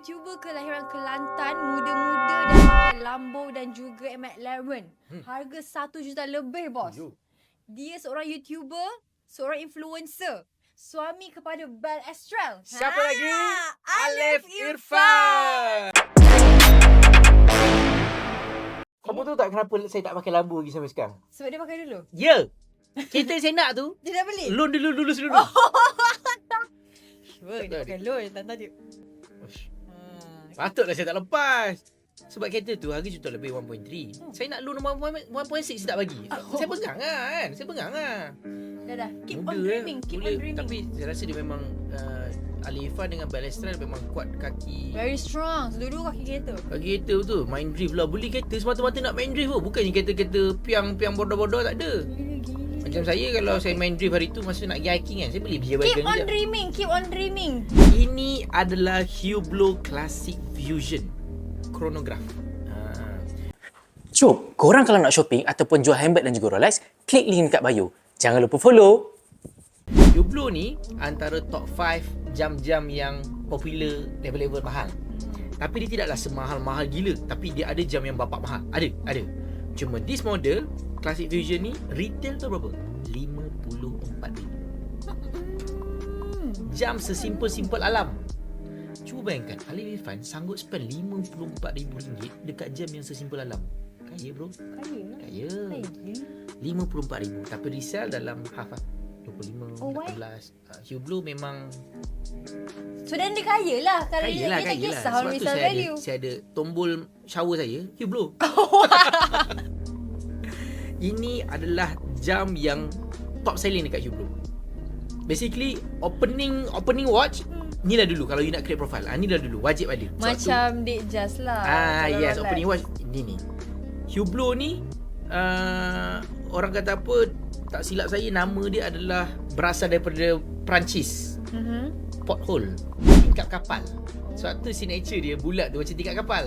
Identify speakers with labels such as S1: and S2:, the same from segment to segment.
S1: YouTuber kelahiran Kelantan, muda-muda dan pakai Lambo dan juga McLaren. Harga 1 juta lebih, bos. Dia seorang YouTuber, seorang influencer, suami kepada Belle Estrel.
S2: Siapa lagi? Alif Irfan. Kamu tahu tak kenapa saya tak pakai Lambo lagi sampai sekarang?
S1: Sebab dia pakai dulu.
S2: Ya. Kereta saya nak tu,
S1: Dia dah beli?
S2: loan dulu sebelum.
S1: Sure, dia pakai loan. Tak tahu.
S2: Patutlah saya tak lepas. Sebab kereta tu harga juta lebih 1.3. Saya nak loan 1.6 saya tak bagi. Saya pegang lah kan. Saya pegang lah.
S1: Dah. Keep
S2: Muda
S1: on dreaming. Keep on dreaming.
S2: Tapi saya rasa dia memang Alif Irfan dengan Belle Estrel memang kuat kaki.
S1: Very strong. Dulu kaki kereta.
S2: Kaki kereta betul. Main drift lah. Beli kereta semata-mata nak main drift pun. Bukannya kereta-kereta piang bodoh-bodoh, tak ada.
S1: Gila.
S2: Macam saya kalau saya main drift hari tu masa nak pergi hiking kan, saya beli
S1: Keep
S2: G-Wagon
S1: on
S2: je.
S1: dreaming. Keep on dreaming.
S2: Ini adalah Hublot Classic Fusion Chronograph.
S3: Jom, korang kalau nak shopping ataupun jual handbag dan juga Rolex, klik link dekat bio. Jangan lupa follow.
S2: Hublot ni antara top 5 jam-jam yang popular level-level mahal. Tapi dia tidaklah semahal-mahal gila, tapi dia ada jam yang bapak mahal. Ada. Cuma this model Classic Fusion ni retail tu berapa? 54,000. Jam sesimpel-simpel alam. Cuba bayangkan, Alif Irfan sanggup spend RM54,000 dekat jam yang sesimpel alam. Kaya bro. Kaya. 54,000 tapi resell dalam half 25,
S1: Oh, why?
S2: 18. Hublot memang
S1: So then dia kaya lah. Kalau
S2: kaya
S1: dia
S2: lah.
S1: tak kisah
S2: Sebab tu
S1: resale value.
S2: saya ada tombol shower saya Hublot. Ini adalah jam yang top selling dekat Hublot. Basically opening watch ni lah dulu kalau you nak create profile. Ni lah dulu wajib ada.
S1: Macam Date Just lah. Kalau
S2: Yes,
S1: Rolex.
S2: opening watch ni. Hublot ni orang kata apa, tak silap saya nama dia adalah berasal daripada Perancis. Porthole, tingkap kapal. Sebab tu signature dia bulat tu macam tingkap kapal.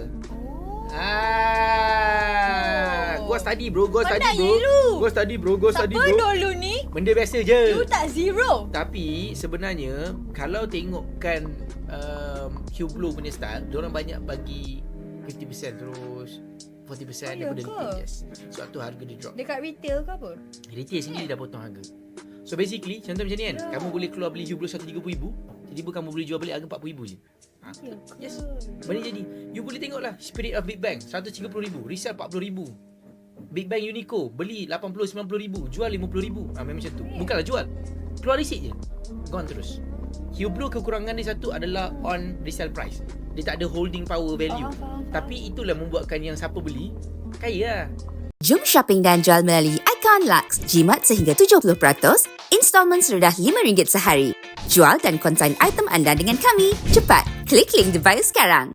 S2: Gua study bro.
S1: Pandai je lu.
S2: Gua study bro.
S1: Siapa dulu ni?
S2: Benda biasa je.
S1: You tak zero.
S2: Tapi sebenarnya kalau tengokkan Hublot punya style, diorang banyak bagi 50% terus 40% daripada
S1: ke?
S2: retail. Yes. Sebab tu harga dia drop.
S1: Dekat retail ke apa?
S2: Retail sendiri dah potong harga. So basically contoh macam ni kan, kamu boleh keluar beli Hublot 130,000, tiba-tiba kamu boleh jual balik harga 40,000 je. Yes. Benda jadi. You boleh tengoklah Spirit of Big Bang 130,000, resell 40,000. Big Bang Uniqlo beli 80-90,000, jual 50,000. Memang macam tu. Bukanlah jual, keluar receipt je, gone terus. Hublot kekurangan dia satu adalah on resale price. Dia tak ada holding power value. Tapi itulah membuatkan yang siapa beli kaya lah.
S4: Jom shopping dan jual melalui Icon Lux. Jimat sehingga 70%, installment serendah RM5 sehari. Jual dan konsign item anda dengan kami. Cepat, klik link di bio sekarang.